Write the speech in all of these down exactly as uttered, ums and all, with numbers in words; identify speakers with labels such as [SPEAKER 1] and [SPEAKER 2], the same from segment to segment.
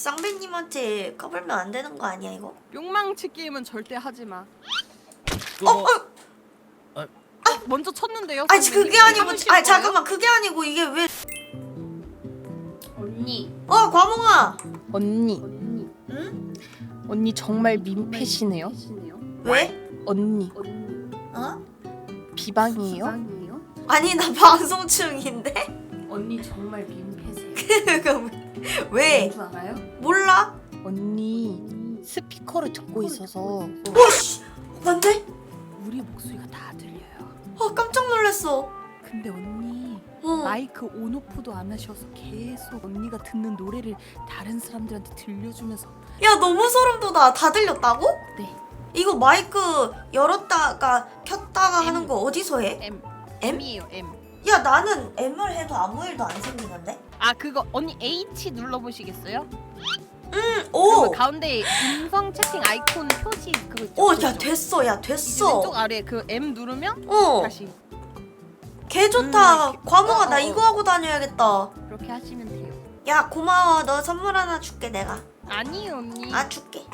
[SPEAKER 1] 쌍배님한테 까불면 안 되는 거 아니야 이거?
[SPEAKER 2] 욕망치 게임은 절대 하지 마.
[SPEAKER 1] 어? 어?
[SPEAKER 2] 어, 먼저 쳤는데요.
[SPEAKER 1] 아니
[SPEAKER 2] 선배님?
[SPEAKER 1] 그게 아니고
[SPEAKER 2] 참으실
[SPEAKER 1] 아니
[SPEAKER 2] 거예요?
[SPEAKER 1] 잠깐만 그게 아니고 이게 왜
[SPEAKER 2] 언니.
[SPEAKER 1] 어 과몽아
[SPEAKER 2] 언니.
[SPEAKER 1] 응?
[SPEAKER 2] 언니 정말 민폐시네요.
[SPEAKER 1] 왜?
[SPEAKER 2] 언니.
[SPEAKER 1] 어?
[SPEAKER 2] 비방이에요?
[SPEAKER 1] 아니 나 방송 중인데?
[SPEAKER 2] 언니 정말 민폐세요.
[SPEAKER 1] 왜?
[SPEAKER 2] 뭔지 알아요?
[SPEAKER 1] 몰라?
[SPEAKER 2] 언니 스피커를 듣고 있어서
[SPEAKER 1] 오씨 뭔데?
[SPEAKER 2] 우리 목소리가 다 들려요.
[SPEAKER 1] 아 깜짝 놀랐어.
[SPEAKER 2] 근데 언니
[SPEAKER 1] 어.
[SPEAKER 2] 마이크 온오프도 안 하셔서 계속 언니가 듣는 노래를 다른 사람들한테 들려주면서.
[SPEAKER 1] 야 너무 소름 돋아. 다 들렸다고?
[SPEAKER 2] 네.
[SPEAKER 1] 이거 마이크 열었다가 켰다가
[SPEAKER 2] M.
[SPEAKER 1] 하는 거 어디서 해?
[SPEAKER 2] M.
[SPEAKER 1] M?
[SPEAKER 2] M이에요 M.
[SPEAKER 1] 야 나는 M을 해도 아무 일도 안 생기는데?
[SPEAKER 2] 아 그거 언니 H 눌러보시겠어요?
[SPEAKER 1] 응,
[SPEAKER 2] 그
[SPEAKER 1] 오!
[SPEAKER 2] 가운데 음성 채팅 아이콘 표시 그거 있죠?
[SPEAKER 1] 오, 야
[SPEAKER 2] 그거죠?
[SPEAKER 1] 됐어, 야
[SPEAKER 2] 이제
[SPEAKER 1] 됐어.
[SPEAKER 2] 왼쪽 아래 그 M 누르면
[SPEAKER 1] 어,
[SPEAKER 2] 다시
[SPEAKER 1] 개 좋다.
[SPEAKER 2] 음,
[SPEAKER 1] 과몽아
[SPEAKER 2] 어,
[SPEAKER 1] 나
[SPEAKER 2] 어,
[SPEAKER 1] 이거
[SPEAKER 2] 어.
[SPEAKER 1] 하고 다녀야겠다.
[SPEAKER 2] 그렇게 하시면 돼요.
[SPEAKER 1] 야 고마워. 너 선물 하나 줄게 내가.
[SPEAKER 2] 아니요 언니.
[SPEAKER 1] 아 줄게.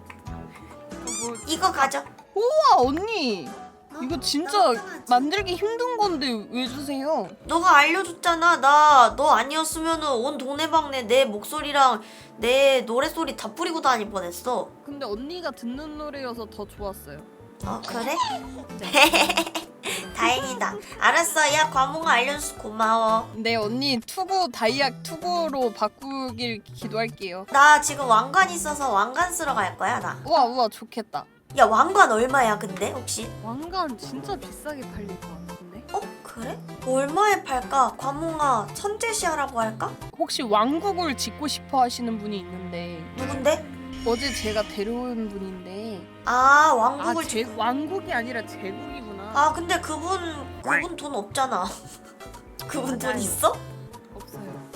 [SPEAKER 2] 뭐...
[SPEAKER 1] 이거 가져.
[SPEAKER 2] 우와 언니
[SPEAKER 1] 어?
[SPEAKER 2] 이거 진짜
[SPEAKER 1] 너무 편하지?
[SPEAKER 2] 만들기 힘든 건데 왜 주세요?
[SPEAKER 1] 너가 알려줬잖아. 나 너 아니었으면은 온 동네방네 내 목소리랑 내 노래소리 다 뿌리고 다닐 뻔했어.
[SPEAKER 2] 근데 언니가 듣는 노래여서 더 좋았어요.
[SPEAKER 1] 어 그래?
[SPEAKER 2] 네.
[SPEAKER 1] 다행이다. 알았어. 야 과몽아 알려줘서 고마워.
[SPEAKER 2] 네 언니 투구 다이약 투구로 바꾸길 기도할게요.
[SPEAKER 1] 나 지금 왕관 있어서 왕관 쓰러 갈 거야 나.
[SPEAKER 2] 우와 우와 좋겠다.
[SPEAKER 1] 야 왕관 얼마야 근데 혹시?
[SPEAKER 2] 왕관 진짜 비싸게 팔릴 것 같은데?
[SPEAKER 1] 어 그래? 얼마에 팔까? 과몽아 천재시하라고 할까?
[SPEAKER 2] 혹시 왕국을 짓고 싶어 하시는 분이 있는데
[SPEAKER 1] 누군데?
[SPEAKER 2] 어제 제가 데려온 분인데
[SPEAKER 1] 아
[SPEAKER 2] 아
[SPEAKER 1] 왕국을
[SPEAKER 2] 제, 왕국이 아니라 제국이구나.
[SPEAKER 1] 아 근데 그분 그분 돈 없잖아. 그분 돈
[SPEAKER 2] 맞아요.
[SPEAKER 1] 있어?
[SPEAKER 2] 없어요.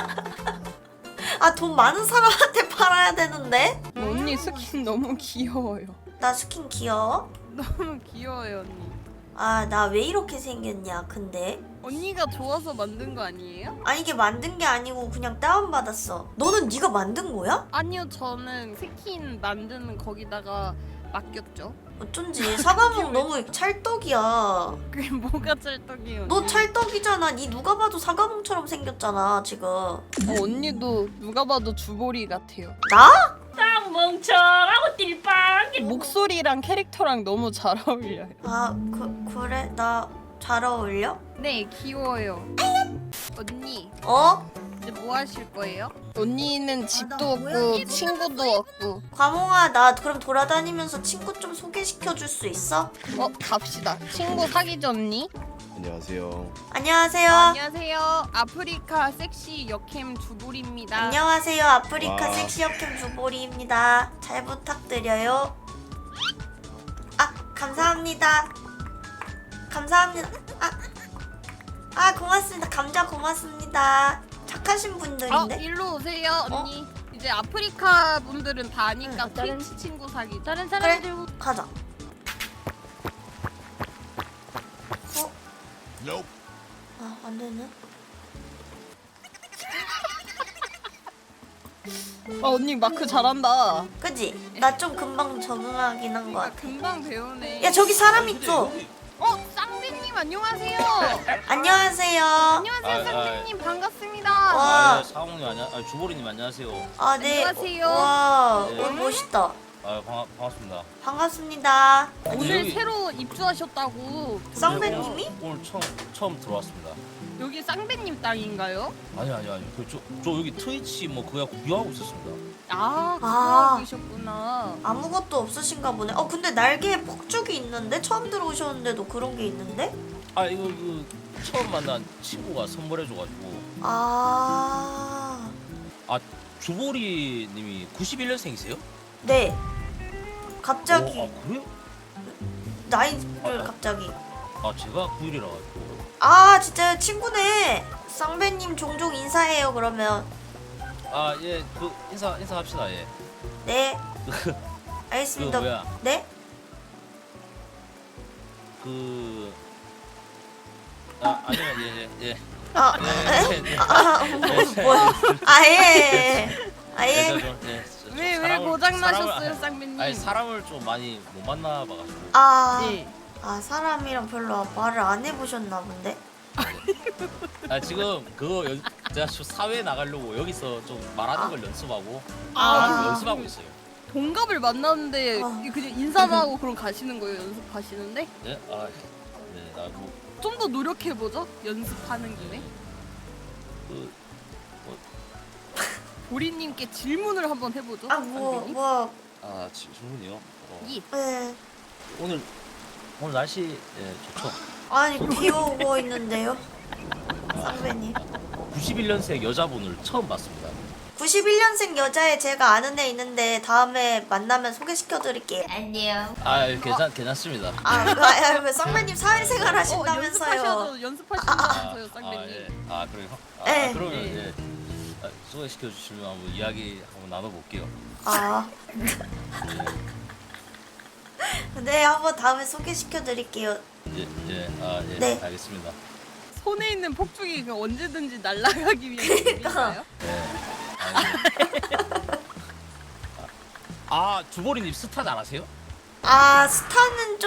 [SPEAKER 1] 아 돈 많은 사람한테 팔아야 되는데?
[SPEAKER 2] 언니 스킨 너무 귀여워요.
[SPEAKER 1] 나 스킨 귀여워?
[SPEAKER 2] 너무 귀여워요 언니.
[SPEAKER 1] 아 나 왜 이렇게 생겼냐 근데?
[SPEAKER 2] 언니가 좋아서 만든 거 아니에요?
[SPEAKER 1] 아니 이게 만든 게 아니고 그냥 다운받았어. 너는 네가 만든 거야?
[SPEAKER 2] 아니요 저는 스킨 만드는 거기다가 맡겼죠.
[SPEAKER 1] 어쩐지 사과목 너무 찰떡이야.
[SPEAKER 2] 그게 뭐가 짤떡이에요?
[SPEAKER 1] 너
[SPEAKER 2] 언니?
[SPEAKER 1] 찰떡이잖아. 니 누가 봐도 사과목처럼 생겼잖아 지금.
[SPEAKER 2] 어, 언니도 누가 봐도 주보리 같아요.
[SPEAKER 1] 나?
[SPEAKER 3] 딱 멍청하고 띨빵.
[SPEAKER 2] 목소리랑 캐릭터랑 너무 잘 어울려요.
[SPEAKER 1] 아 그, 그래? 나 잘 어울려?
[SPEAKER 2] 네 귀여워요. 언니
[SPEAKER 1] 어?
[SPEAKER 2] 이제 뭐 하실 거예요? 언니는 집도
[SPEAKER 1] 나
[SPEAKER 2] 없고
[SPEAKER 1] 고양이
[SPEAKER 2] 친구도 없고.
[SPEAKER 1] 과몽아 나 그럼 돌아다니면서 친구 좀 소개시켜 줄 수 있어?
[SPEAKER 2] 어 갑시다. 친구 사귀죠 언니?
[SPEAKER 4] 안녕하세요.
[SPEAKER 1] 안녕하세요.
[SPEAKER 2] 안녕하세요. 아프리카 섹시 여캠 주보리입니다.
[SPEAKER 1] 안녕하세요. 아프리카
[SPEAKER 4] 와.
[SPEAKER 1] 섹시 여캠 주보리입니다. 잘 부탁드려요. 아 감사합니다. 감사합니다. 아, 아 고맙습니다. 감자 고맙습니다. 착하신
[SPEAKER 2] 어
[SPEAKER 1] 분들인데?
[SPEAKER 2] 일로 오세요 언니. 이제 아프리카 분들은 다 아니까
[SPEAKER 3] 응, 다른-
[SPEAKER 2] 트위치 친구 사귀.
[SPEAKER 3] 다른
[SPEAKER 1] 그래
[SPEAKER 3] 사람들
[SPEAKER 1] 가자. 어? 아 안되네.
[SPEAKER 2] 아 언니 마크 잘한다.
[SPEAKER 1] 그지? 나 좀 금방 적응하긴 한 것
[SPEAKER 2] 아
[SPEAKER 1] 같아.
[SPEAKER 2] 금방 배우네.
[SPEAKER 1] 야 저기 사람 있어.
[SPEAKER 2] 어 쌍배님 안녕하세요.
[SPEAKER 1] 안녕하세요.
[SPEAKER 2] 안녕하세요
[SPEAKER 5] 아, 아,
[SPEAKER 2] 쌍배님 반갑습니다.
[SPEAKER 1] 와.
[SPEAKER 5] 아, 사홍님 안녕, 아, 주보리님 안녕하세요.
[SPEAKER 1] 아 네.
[SPEAKER 2] 안녕하세요.
[SPEAKER 1] 와
[SPEAKER 5] 네.
[SPEAKER 1] 오늘 멋있다.
[SPEAKER 5] 아, 반가, 반갑습니다.
[SPEAKER 1] 반갑습니다.
[SPEAKER 5] 아니,
[SPEAKER 2] 오늘
[SPEAKER 5] 여기-
[SPEAKER 2] 새로 입주하셨다고.
[SPEAKER 1] 쌍배님이?
[SPEAKER 5] 네, 오늘, 오늘 처음 처음 들어왔습니다.
[SPEAKER 2] 여기 쌍배님 땅인가요?
[SPEAKER 5] 아니 아니 아니, 그, 저, 저 여기 트위치 뭐 그거 구경하고 있었습니다.
[SPEAKER 2] 아
[SPEAKER 1] 아.
[SPEAKER 2] 그러셨구나.
[SPEAKER 1] 아무것도 없으신가 보네. 어 근데 날개에 폭죽이 있는데 처음 들어오셨는데도 그런 게 있는데?
[SPEAKER 5] 아 이거 그 처음 만난 친구가 선물해줘가지고.
[SPEAKER 1] 아
[SPEAKER 5] 아 주보리님이 구십일 년생이세요?
[SPEAKER 1] 네. 갑자기
[SPEAKER 5] 어, 아 그래요?
[SPEAKER 1] 나이를
[SPEAKER 5] 아,
[SPEAKER 1] 갑자기.
[SPEAKER 5] 아 제가 구일이라 가지고.
[SPEAKER 1] 아 진짜요? 친구네. 쌍배님 종종 인사해요 그러면.
[SPEAKER 5] 아 예, 그 인사 인사합시다 예.
[SPEAKER 1] 네.
[SPEAKER 5] 그
[SPEAKER 1] 알겠습니다.
[SPEAKER 5] 뭐야?
[SPEAKER 1] 네?
[SPEAKER 5] 그 아 아니면 예예 예. 예.
[SPEAKER 1] 아,
[SPEAKER 5] 예, 예, 예.
[SPEAKER 1] 아, 뭐, 뭐야? 아, 예. 아
[SPEAKER 5] 네,
[SPEAKER 1] 예.
[SPEAKER 5] 저 좀, 네, 저 좀
[SPEAKER 2] 왜 왜
[SPEAKER 5] 사람을-
[SPEAKER 2] 고장
[SPEAKER 5] 사람을-
[SPEAKER 2] 나셨어요, 쌍배님?
[SPEAKER 5] 아니 사람을 좀 많이 못 만나봐가지고.
[SPEAKER 1] 아,
[SPEAKER 2] 네.
[SPEAKER 1] 아 사람이랑 별로 말을 안 해보셨나 본데.
[SPEAKER 5] 아 지금 그거 연, 제가 좀 사회 나가려고 여기서 좀 말하는
[SPEAKER 1] 아.
[SPEAKER 5] 걸 연습하고
[SPEAKER 2] 아.
[SPEAKER 5] 말하는 걸 연습하고 있어요.
[SPEAKER 2] 동갑을 만났는데
[SPEAKER 1] 아.
[SPEAKER 2] 그냥 인사도 하고 그럼 가시는 거예요, 연습하시는데?
[SPEAKER 5] 네, 아, 네, 나뭐
[SPEAKER 2] 좀 더 노력해 보죠. 연습하는 김에.
[SPEAKER 5] 그,
[SPEAKER 2] 보리님께 질문을 한번 해보죠.
[SPEAKER 1] 아 뭐
[SPEAKER 2] 쌍배님.
[SPEAKER 1] 뭐.
[SPEAKER 5] 아 질문이요. 어,
[SPEAKER 2] 이.
[SPEAKER 1] 예.
[SPEAKER 5] 오늘 오늘 날씨 예, 좋죠.
[SPEAKER 1] 아니 비 오고 있는데요. 쌍배님.
[SPEAKER 5] 구십일 년생 여자분을 처음 봤습니다.
[SPEAKER 1] 구십일 년생 여자애 제가 아는 애 있는데 다음에 만나면 소개시켜 드릴게요. 안녕.
[SPEAKER 5] 아 괜찮 괜찮습니다.
[SPEAKER 1] 아, 그, 아, 그 쌍배님 사회생활
[SPEAKER 2] 어,
[SPEAKER 1] 하신다면서요.
[SPEAKER 2] 연습하셔도 연습하신다면서요, 쌍배님.
[SPEAKER 5] 아, 예. 아 그래요? 아,
[SPEAKER 1] 네.
[SPEAKER 5] 그러면
[SPEAKER 2] 네.
[SPEAKER 5] 예. 아, 소개시켜 주시면 한번 이야기 한번 나눠볼게요.
[SPEAKER 1] 아. 네, 한번 다음에 소개시켜 드릴게요.
[SPEAKER 5] 예, 예, 아, 예,
[SPEAKER 1] 네.
[SPEAKER 5] 알겠습니다.
[SPEAKER 2] 손에 있는 폭죽이 그 언제든지 날아가기 위한 준비인가요?
[SPEAKER 5] 예. 아, 예. 아, 주보리님 스타 잘하세요?
[SPEAKER 1] 아, 스타는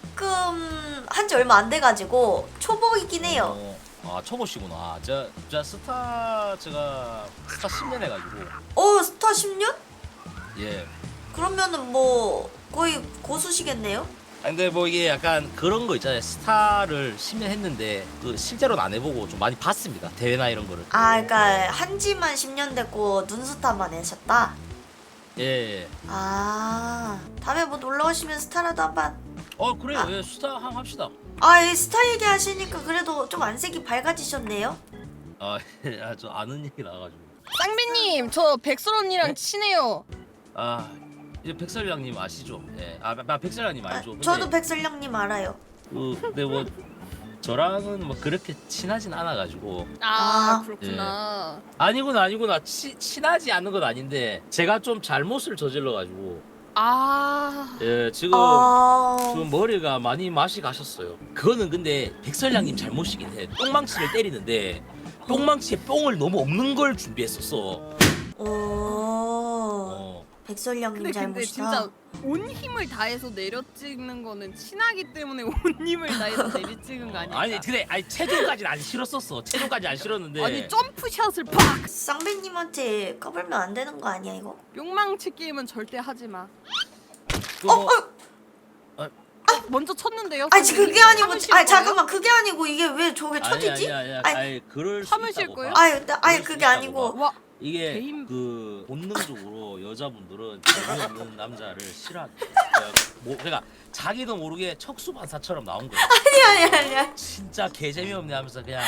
[SPEAKER 1] 조금 한 지 얼마 안 돼가지고 초보이긴 해요.
[SPEAKER 5] 어, 아, 초보시구나. 저, 저 스타 제가 스타 십 년 해가지고
[SPEAKER 1] 어, 스타 십 년?
[SPEAKER 5] 예.
[SPEAKER 1] 그러면은 뭐 거의 고수시겠네요?
[SPEAKER 5] 아, 근데 뭐 이게 약간 그런 거 있잖아요. 스타를 십 년 했는데 그 실제로는 안 해보고 좀 많이 봤습니다. 대회나 이런 거를.
[SPEAKER 1] 아, 그러니까 한지만 십 년 됐고 눈스타만 하셨다?
[SPEAKER 5] 예. 예.
[SPEAKER 1] 아, 다음에 뭐 놀러 오시면 스타라도 한번.
[SPEAKER 5] 어 그래요.
[SPEAKER 1] 아.
[SPEAKER 5] 예, 스타 한번 합시다.
[SPEAKER 1] 아, 이 스타 얘기하시니까 그래도 좀 안색이 밝아지셨네요?
[SPEAKER 5] 아, 예, 아, 저 아는 얘기 나와가지고.
[SPEAKER 2] 쌍배님, 저 백설 언니랑
[SPEAKER 5] 네?
[SPEAKER 2] 친해요.
[SPEAKER 5] 아, 이제 백설양님 아시죠? 예. 아, 나 백설양님
[SPEAKER 1] 아,
[SPEAKER 5] 알죠? 근데
[SPEAKER 1] 저도 백설령님 알아요.
[SPEAKER 5] 그, 근데 뭐 저랑은 뭐 그렇게 친하진 않아가지고.
[SPEAKER 2] 아,
[SPEAKER 1] 아.
[SPEAKER 2] 그렇구나.
[SPEAKER 5] 아니구나 아니구나 치, 친하지 않은 건 아닌데 제가 좀 잘못을 저질러가지고
[SPEAKER 2] 아,
[SPEAKER 5] 예 지금
[SPEAKER 1] 아,
[SPEAKER 5] 지금 머리가 많이 맛이 가셨어요. 그거는 근데 백설양님 잘못이긴 해. 똥망치를 때리는데 똥망치에 뽕을 너무 없는 걸 준비했었어.
[SPEAKER 1] 오,
[SPEAKER 5] 어.
[SPEAKER 1] 백설령님
[SPEAKER 2] 근데 근데
[SPEAKER 1] 잘못이다.
[SPEAKER 2] 진짜 온 힘을 다해서 내려 찍는 거는 친하기 때문에 온 힘을 다해서 내리 찍은 거 아니야?
[SPEAKER 5] 아니 근데 아니 체중까지는 안 실었었어. 체중까지 안 실었는데.
[SPEAKER 2] 아니 점프샷을 팍!
[SPEAKER 1] 쌍배님한테 까불면 안 되는 거 아니야 이거?
[SPEAKER 2] 욕망치 게임은 절대 하지 마.
[SPEAKER 5] 그거
[SPEAKER 1] 어,
[SPEAKER 5] 뭐-
[SPEAKER 1] 어,
[SPEAKER 2] 먼저 쳤는데요.
[SPEAKER 1] 아니
[SPEAKER 2] 선생님?
[SPEAKER 1] 그게 아니고,
[SPEAKER 2] 참으실
[SPEAKER 1] 아니
[SPEAKER 2] 거예요?
[SPEAKER 1] 잠깐만 그게 아니고 이게 왜 저게
[SPEAKER 5] 아니
[SPEAKER 1] 쳐지지?
[SPEAKER 5] 아니 아니
[SPEAKER 1] 아니,
[SPEAKER 5] 아니 그럴 수
[SPEAKER 2] 참으실
[SPEAKER 5] 있다고
[SPEAKER 2] 거예요?
[SPEAKER 5] 봐.
[SPEAKER 1] 아니, 나- 아니
[SPEAKER 5] 그럴 수
[SPEAKER 1] 그게
[SPEAKER 5] 있다고
[SPEAKER 1] 아니고.
[SPEAKER 5] 봐.
[SPEAKER 2] 와,
[SPEAKER 5] 이게
[SPEAKER 2] 개인-
[SPEAKER 5] 그 본능적으로 여자분들은 재미없는 남자를 싫어합니다. 그러니까 뭐 그러니까 자기도 모르게 척수반사처럼 나온 거야.
[SPEAKER 1] 아니 아니 아니
[SPEAKER 5] 진짜 개 재미없네 하면서 그냥.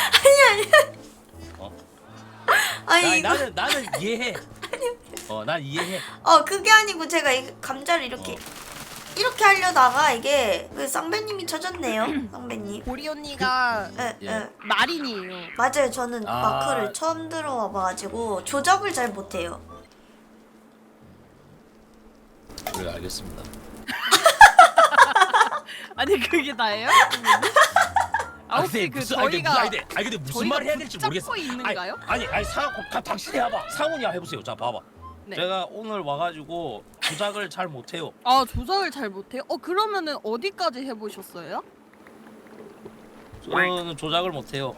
[SPEAKER 5] 어?
[SPEAKER 1] 아니
[SPEAKER 5] 나,
[SPEAKER 1] 이거
[SPEAKER 5] 나는 나는 이해해. 어, 난 이해해.
[SPEAKER 1] 어 그게 아니고 제가 이 감자를 이렇게
[SPEAKER 5] 어.
[SPEAKER 1] 이렇게 하려다가 이게 그 쌍배님이 쳐졌네요. 쌍배님.
[SPEAKER 2] 보리 언니가
[SPEAKER 1] 예,
[SPEAKER 5] 예.
[SPEAKER 1] 예.
[SPEAKER 2] 마린이에요.
[SPEAKER 1] 맞아요. 저는
[SPEAKER 5] 아.
[SPEAKER 1] 마크를 처음 들어와 봐가지고 조작을 잘 못해요.
[SPEAKER 5] 그래 알겠습니다.
[SPEAKER 2] 아니 그게 다예요? 아 혹시 그
[SPEAKER 5] 무슨- 아니, 근데
[SPEAKER 2] 저희가
[SPEAKER 5] 무슨- 아니, 근데- 아니 근데 무슨
[SPEAKER 2] 저희가
[SPEAKER 5] 말을 해야 될지 모르겠어.
[SPEAKER 2] 붙잡고 있는가요?
[SPEAKER 5] 아니 아니 상 가- 당신이 해봐. 상훈이 해보세요. 자 봐봐.
[SPEAKER 2] 네.
[SPEAKER 5] 제가 오늘 와가지고 조작을 잘 못해요.
[SPEAKER 2] 아 조작을 잘 못해요? 어 그러면은 어디까지 해보셨어요?
[SPEAKER 5] 저는 조작을 못해요.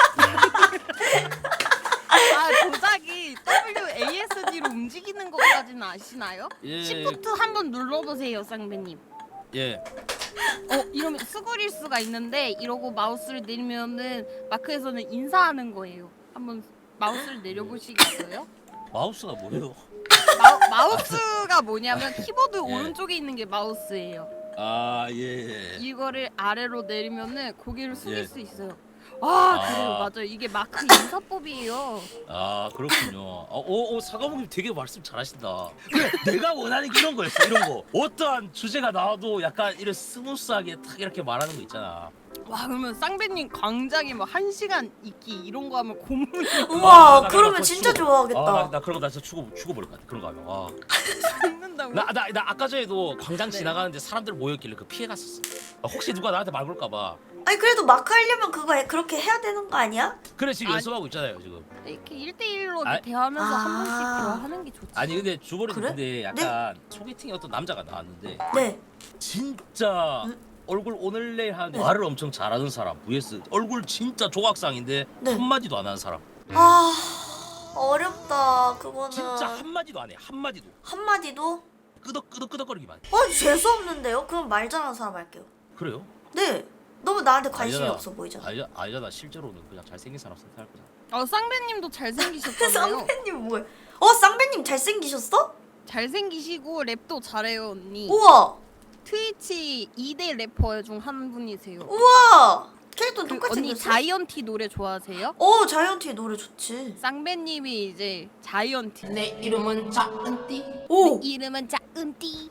[SPEAKER 2] 아 조작이 더블유 에이 에스 디로 움직이는 것까지는 아시나요?
[SPEAKER 5] 예.
[SPEAKER 2] 시프트 한번 눌러보세요 쌍배님.
[SPEAKER 5] 예.
[SPEAKER 2] 어 이러면 수그릴 수가 있는데 이러고 마우스를 내리면은 마크에서는 인사하는 거예요. 한번 마우스를 내려보시겠어요?
[SPEAKER 5] 마우스가 뭐예요?
[SPEAKER 2] 마, 마우스가 뭐냐면 키보드
[SPEAKER 5] 예.
[SPEAKER 2] 오른쪽에 있는 게 마우스예요.
[SPEAKER 5] 아 예. 예.
[SPEAKER 2] 이거를 아래로 내리면은 고개를 숙일
[SPEAKER 5] 예.
[SPEAKER 2] 수 있어요. 아,
[SPEAKER 5] 아.
[SPEAKER 2] 그래요 맞아요. 이게 마크 인사법이에요.
[SPEAKER 5] 아 그렇군요. 아, 오, 오 사과목님 되게 말씀 잘하신다. 그래 내가 원하는 게 이런 거였어. 이런 거. 어떠한 주제가 나와도 약간 이런 스무스하게 탁 이렇게 말하는 거 있잖아.
[SPEAKER 2] 와 그러면 쌍배님 광장에 뭐 한 시간 있기 이런 거 하면 고문이
[SPEAKER 1] 우와,
[SPEAKER 5] 아, 나
[SPEAKER 1] 그러면
[SPEAKER 5] 그거
[SPEAKER 1] 진짜
[SPEAKER 5] 죽어.
[SPEAKER 1] 좋아하겠다.
[SPEAKER 5] 아, 나, 나 그런 거 나 진짜 죽어 죽어버릴 것 같아. 그런 거 하면. 아.
[SPEAKER 2] 죽는다고.
[SPEAKER 5] 나, 나, 나 아까 전에도 광장
[SPEAKER 2] 네.
[SPEAKER 5] 지나가는데 사람들 모였길래 그 피해 갔었어. 아, 혹시 누가 나한테 말 걸까봐.
[SPEAKER 1] 아니 그래도 마크 하려면 그거 해, 그렇게 해야 되는 거 아니야?
[SPEAKER 5] 그래 지금
[SPEAKER 2] 아니.
[SPEAKER 5] 연습하고 있잖아요 지금.
[SPEAKER 2] 이렇게 일대일로
[SPEAKER 5] 아-
[SPEAKER 2] 대화하면서
[SPEAKER 1] 아.
[SPEAKER 2] 한 번씩 대화하는 게 좋지.
[SPEAKER 5] 아니 근데 주보리
[SPEAKER 1] 그래?
[SPEAKER 5] 근데 약간 소개팅에 어떤 남자가 나왔는데
[SPEAKER 1] 네.
[SPEAKER 5] 진짜
[SPEAKER 1] 음?
[SPEAKER 5] 얼굴 오늘 내일 하는데
[SPEAKER 1] 네.
[SPEAKER 5] 말을 엄청 잘하는 사람 vs 얼굴 진짜 조각상인데
[SPEAKER 1] 네.
[SPEAKER 5] 한마디도 안 하는 사람.
[SPEAKER 1] 아 어렵다 그거는.
[SPEAKER 5] 진짜 한마디도 안 해. 한마디도.
[SPEAKER 1] 한마디도?
[SPEAKER 5] 끄덕끄덕끄덕거리기만 해.
[SPEAKER 1] 어 재수 없는데요? 그럼 말 잘하는 사람 할게요.
[SPEAKER 5] 그래요?
[SPEAKER 1] 네. 너무 나한테 관심이
[SPEAKER 5] 아니잖아.
[SPEAKER 1] 없어 보이잖아.
[SPEAKER 5] 아니, 아니잖아. 실제로는 그냥 잘생긴 사람 선택할 거잖아.
[SPEAKER 2] 어 쌍배님도 잘생기셨잖아요.
[SPEAKER 1] 쌍배님 뭐야? 어 쌍배님 잘생기셨어?
[SPEAKER 2] 잘생기시고 랩도 잘해요 언니.
[SPEAKER 1] 우와
[SPEAKER 2] 트위치 이 대 래퍼 중 한 분이세요.
[SPEAKER 1] 우와 캐릭터
[SPEAKER 2] 그
[SPEAKER 1] 똑같이
[SPEAKER 2] 언니
[SPEAKER 1] 생겼어?
[SPEAKER 2] 자이언티 노래 좋아하세요?
[SPEAKER 1] 어 자이언티 노래 좋지.
[SPEAKER 2] 쌍배님이 이제 자이언티.
[SPEAKER 4] 내 이름은 자은띠.
[SPEAKER 1] 오
[SPEAKER 2] 이름은 자은띠.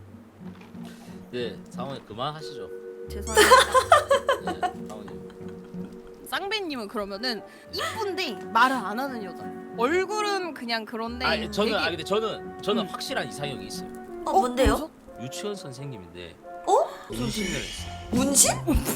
[SPEAKER 5] 네, 사모님 그만하시죠.
[SPEAKER 2] 죄송합니다.
[SPEAKER 5] 네, 사모님.
[SPEAKER 2] 쌍배님은 그러면은 이쁜데 말을 안 하는 여자. 얼굴은 그냥 그런데.
[SPEAKER 5] 아, 저는
[SPEAKER 2] 되게-
[SPEAKER 5] 아 근데 저는 저는
[SPEAKER 2] 음.
[SPEAKER 5] 확실한 이상형이 있어요.
[SPEAKER 1] 어, 뭔데요?
[SPEAKER 2] 뭐죠?
[SPEAKER 5] 유치원 선생님인데
[SPEAKER 1] 어?
[SPEAKER 5] 문신을 했어요.
[SPEAKER 1] 문신?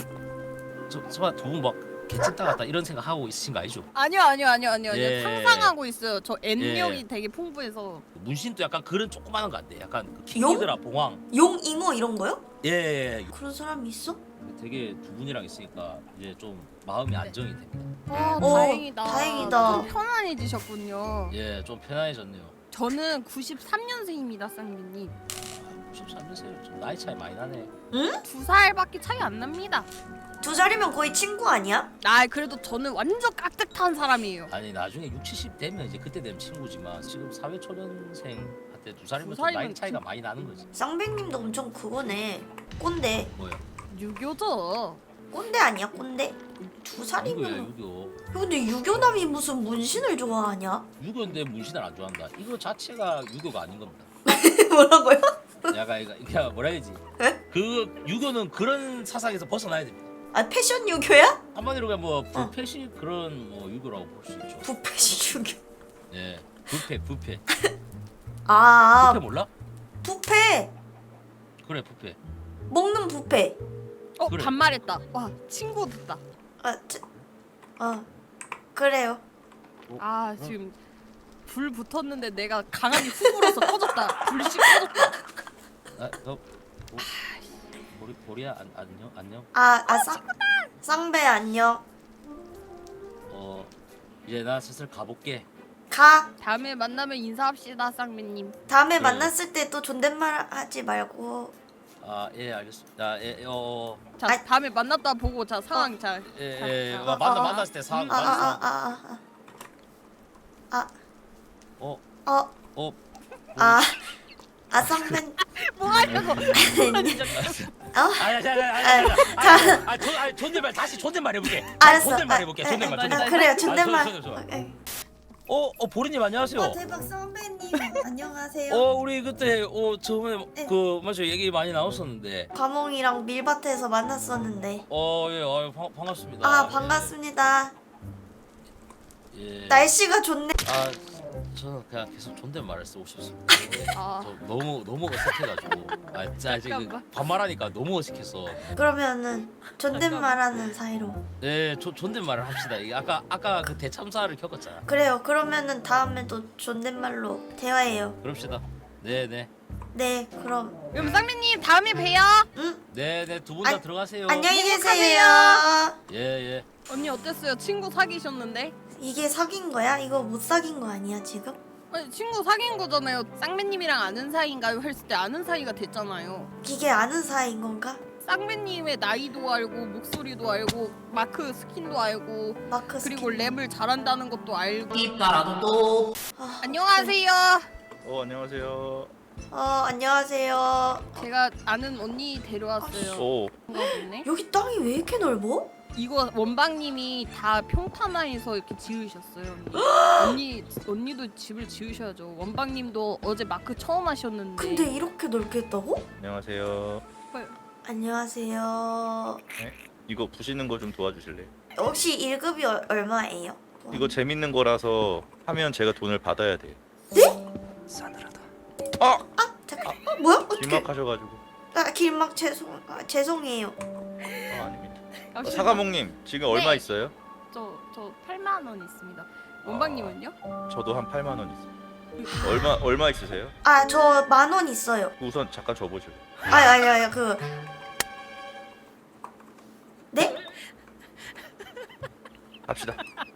[SPEAKER 5] 저 설마 두분막 개찐 따갔다 이런 생각 하고 있으신 거 아니죠?
[SPEAKER 2] 아니요 아니요 아니요 아니요 아니요.
[SPEAKER 5] 예.
[SPEAKER 2] 상상하고 있어요. 저 N력이
[SPEAKER 5] 예.
[SPEAKER 2] 되게 풍부해서.
[SPEAKER 5] 문신도 약간 그런 조그마한 거 안 돼. 약간 그
[SPEAKER 1] 용?
[SPEAKER 5] 킹기드라 봉황.
[SPEAKER 1] 용 잉어 이런 거요?
[SPEAKER 5] 예, 예, 예.
[SPEAKER 1] 그런 사람이 있어?
[SPEAKER 5] 되게 두 분이랑 있으니까 이제 좀 마음이 안정이 됩니다.
[SPEAKER 2] 와
[SPEAKER 1] 어,
[SPEAKER 2] 다행이다.
[SPEAKER 1] 다행이다.
[SPEAKER 2] 좀 편안해지셨군요.
[SPEAKER 5] 예, 좀 편안해졌네요.
[SPEAKER 2] 저는 구십삼 년생입니다, 쌍배님.
[SPEAKER 5] 구십삼 년생이요. 좀 나이 차이 많이 나네.
[SPEAKER 2] 두 살밖에 차이 안 납니다.
[SPEAKER 1] 두 살이면 거의 친구 아니야?
[SPEAKER 2] 아 그래도 저는 완전 깍듯한 사람이에요.
[SPEAKER 5] 아니 나중에 육십, 칠십 되면 이제 그때 되면 친구지만 지금 사회 초년생 한테 두 살이면
[SPEAKER 2] 두
[SPEAKER 5] 좀 나이
[SPEAKER 2] 살이면
[SPEAKER 5] 차이가
[SPEAKER 2] 친-
[SPEAKER 5] 많이 나는 거지.
[SPEAKER 1] 쌍배님도 엄청 그거네. 꼰대.
[SPEAKER 5] 뭐야?
[SPEAKER 2] 유교죠.
[SPEAKER 1] 꼰대 아니야 꼰대? 두
[SPEAKER 5] 유교야
[SPEAKER 1] 살이면.
[SPEAKER 5] 유교.
[SPEAKER 1] 근데 유교남이 무슨 문신을 좋아하냐?
[SPEAKER 5] 유교인데 문신을 안 좋아한다. 이거 자체가 유교가 아닌 겁니다.
[SPEAKER 1] 뭐라고요?
[SPEAKER 5] 약간 이거 이게 뭐라 해야지?
[SPEAKER 1] 에?
[SPEAKER 5] 그 유교는 그런 사상에서 벗어나야 됩니다.
[SPEAKER 1] 아 패션 유교야?
[SPEAKER 5] 한마디로 그냥 뭐 불패식 그런 뭐 유교라고 볼 수 있죠.
[SPEAKER 1] 부패식 유교.
[SPEAKER 5] 예, 부패 부패.
[SPEAKER 1] 아
[SPEAKER 5] 부패 몰라?
[SPEAKER 1] 부패.
[SPEAKER 5] 그래 부패.
[SPEAKER 1] 먹는 부패.
[SPEAKER 2] 어
[SPEAKER 5] 그래.
[SPEAKER 2] 반말했다. 와 친구 됐다.
[SPEAKER 1] 아, 저, 아 그래요.
[SPEAKER 2] 아 지금 불 붙었는데 내가 강하게 훅 불어서 꺼졌다. 불씨 꺼졌다.
[SPEAKER 5] 아, 너 보, 보리 보리야 안, 안녕 안녕.
[SPEAKER 1] 아, 아 쌍, 쌍배 안녕.
[SPEAKER 5] 어 이제 나 슬슬 가볼게.
[SPEAKER 1] 가.
[SPEAKER 2] 다음에 만나면 인사합시다, 쌍배님.
[SPEAKER 1] 다음에
[SPEAKER 5] 네.
[SPEAKER 1] 만났을 때 또 존댓말 하지 말고.
[SPEAKER 5] 아 예 알겠습니다. 예, 예, 어,
[SPEAKER 2] 자
[SPEAKER 1] 아이.
[SPEAKER 2] 다음에 만났다 보고 자 상황 잘.
[SPEAKER 5] 예,
[SPEAKER 2] 자,
[SPEAKER 5] 예,
[SPEAKER 2] 자.
[SPEAKER 5] 마- 만나
[SPEAKER 1] 어, 어.
[SPEAKER 5] 만났을 때 상황
[SPEAKER 1] 아, 아,
[SPEAKER 5] 만났어.
[SPEAKER 1] 아, 아, 아,
[SPEAKER 5] 어,
[SPEAKER 1] 아, 어,
[SPEAKER 5] 어,
[SPEAKER 1] 아, 아 쌍배.
[SPEAKER 2] 뭐 하려고?
[SPEAKER 5] 아니, 아니, 아니, 아니, 아니, 아니, 아니, 존, 아니, 존댓말 다시 존댓말 해볼게.
[SPEAKER 1] 알았어.
[SPEAKER 5] 존댓말
[SPEAKER 1] 아,
[SPEAKER 5] 해볼게.
[SPEAKER 1] 에,
[SPEAKER 5] 존댓말,
[SPEAKER 1] 에,
[SPEAKER 5] 존댓말.
[SPEAKER 1] 아, 그래요
[SPEAKER 5] 아,
[SPEAKER 1] 존댓말.
[SPEAKER 5] 좋아, 좋아, 좋아.
[SPEAKER 1] 오케이.
[SPEAKER 5] 어, 어, 보리님 안녕하세요.
[SPEAKER 1] 와 대박 쌍배님 안녕하세요.
[SPEAKER 5] 어, 우리 그때 어 처음에
[SPEAKER 1] 네.
[SPEAKER 5] 그 맞죠 얘기 많이 나왔었는데.
[SPEAKER 1] 과몽이랑 밀밭에서 만났었는데.
[SPEAKER 5] 어, 예, 어, 반, 반갑습니다.
[SPEAKER 1] 아 반갑습니다.
[SPEAKER 5] 예. 예.
[SPEAKER 1] 날씨가 좋네.
[SPEAKER 5] 아, 저는 그냥 계속 존댓말을 쓰고 싶습니다. 예.
[SPEAKER 2] 아.
[SPEAKER 5] 저 너무 너무 어색해가지고. 아, 진짜 지금
[SPEAKER 2] 잠깐만.
[SPEAKER 5] 반말하니까 너무 어색해서.
[SPEAKER 1] 그러면은 존댓말하는 사이로.
[SPEAKER 5] 네, 조, 존댓말을 합시다. 이게 아까 아까 그 대참사를 겪었잖아.
[SPEAKER 1] 그래요. 그러면은 다음에도 존댓말로 대화해요.
[SPEAKER 5] 그럽시다. 네, 네,
[SPEAKER 1] 네 그럼.
[SPEAKER 2] 그럼 쌍배님 다음에 봬요.
[SPEAKER 1] 응
[SPEAKER 5] 네, 네, 두 분 다
[SPEAKER 1] 안-
[SPEAKER 5] 들어가세요.
[SPEAKER 1] 안녕히
[SPEAKER 2] 행복하세요.
[SPEAKER 1] 계세요.
[SPEAKER 5] 예, 예.
[SPEAKER 2] 언니 어땠어요? 친구 사귀셨는데?
[SPEAKER 1] 이게 사귄 거야? 이거 못 사귄 거 아니야 지금?
[SPEAKER 2] 아니 친구 사귄 거잖아요. 쌍배님이랑 아는 사이인가요? 했을 때 아는 사이가 됐잖아요.
[SPEAKER 1] 이게 아는 사이인 건가?
[SPEAKER 2] 쌍배님의 나이도 알고 목소리도 알고 마크 스킨도 알고
[SPEAKER 1] 마크
[SPEAKER 2] 그리고
[SPEAKER 1] 스킨.
[SPEAKER 2] 랩을 잘한다는 것도 알고.
[SPEAKER 4] 입가라도 또.
[SPEAKER 1] 아,
[SPEAKER 2] 안녕하세요.
[SPEAKER 6] 어 안녕하세요.
[SPEAKER 1] 어 안녕하세요.
[SPEAKER 2] 제가 아는 언니 데려왔어요.
[SPEAKER 6] 오
[SPEAKER 2] 그런가 보네.
[SPEAKER 1] 여기 땅이 왜 이렇게 넓어?
[SPEAKER 2] 이거 원방님이 다 평탄화해서 이렇게 지으셨어요. 언니. 언니 언니도 집을 지으셔야죠. 원방님도 어제 마크 처음 하셨는데.
[SPEAKER 1] 근데 이렇게 넓게 했다고?
[SPEAKER 6] 안녕하세요.
[SPEAKER 1] 안녕하세요.
[SPEAKER 6] 이거 부시는 거 좀 도와주실래요?
[SPEAKER 1] 혹시 일 급이 얼, 얼마예요?
[SPEAKER 6] 이거 재밌는 거라서 하면 제가 돈을 받아야 돼요.
[SPEAKER 1] 네?
[SPEAKER 6] 싸늘하다.
[SPEAKER 1] 아 잠깐. 어, 뭐야? 어떻게?
[SPEAKER 6] 길막하셔가지고.
[SPEAKER 1] 아 길막 죄송 아, 죄송해요.
[SPEAKER 6] 아, 아닙니다. 어,
[SPEAKER 2] 잠시만요.
[SPEAKER 6] 사과목님 지금 얼마
[SPEAKER 2] 네.
[SPEAKER 6] 있어요?
[SPEAKER 2] 저, 저 팔만 원 있습니다. 원방님은요?
[SPEAKER 6] 저도 한 팔만 원 있어요. 얼마 얼마 있으세요?
[SPEAKER 1] 아 저 만 원 있어요.
[SPEAKER 6] 우선 잠깐 줘보실래요?
[SPEAKER 1] 아니 아니 아니 그 네?
[SPEAKER 6] 합시다.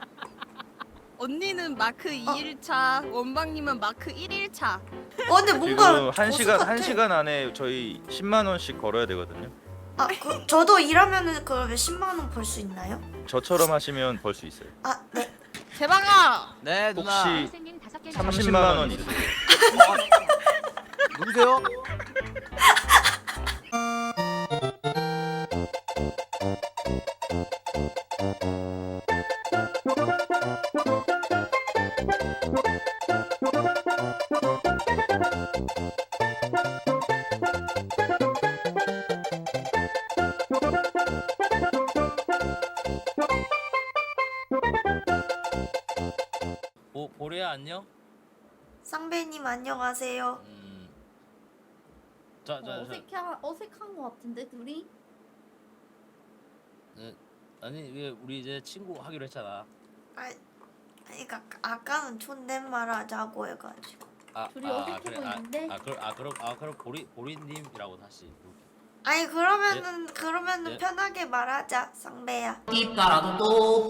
[SPEAKER 2] 언니는 마크 이 일차, 원방님은 마크 일 일차.
[SPEAKER 1] 어 근데 뭔가
[SPEAKER 6] 지금 한
[SPEAKER 1] 보스
[SPEAKER 6] 시간
[SPEAKER 1] 같아.
[SPEAKER 6] 한 시간 안에 저희 십만 원씩 걸어야 되거든요.
[SPEAKER 1] 아 그, 저도 일하면은 그러면 십만 원 벌 수 있나요?
[SPEAKER 6] 저처럼 하시면 벌 수 있어요.
[SPEAKER 1] 아 네.
[SPEAKER 2] 제방아!
[SPEAKER 7] 네 누나.
[SPEAKER 6] 혹시
[SPEAKER 8] 선생님 다섯 개
[SPEAKER 6] 삼십만 원 있으세요?
[SPEAKER 7] 누구세요?
[SPEAKER 5] 보 보리야 안녕.
[SPEAKER 1] 쌍배님 안녕하세요.
[SPEAKER 5] 음. 자, 자, 자.
[SPEAKER 8] 어색한 어색한 것 같은데 둘이?
[SPEAKER 5] 네, 아니 왜 우리 이제 친구 하기로 했잖아.
[SPEAKER 1] 아 그러니까 아까는 존댓말 하자고 해가지고.
[SPEAKER 5] 아,
[SPEAKER 8] 둘이
[SPEAKER 5] 아,
[SPEAKER 8] 어색해
[SPEAKER 5] 그래, 아,
[SPEAKER 8] 보이는데?
[SPEAKER 5] 아, 그럼 아 그럼 아 그럼 보리 보리님이라고 다시.
[SPEAKER 1] 아니 그러면은 그러면은
[SPEAKER 5] 예.
[SPEAKER 1] 편하게 말하자 쌍배야.
[SPEAKER 4] 띠따라도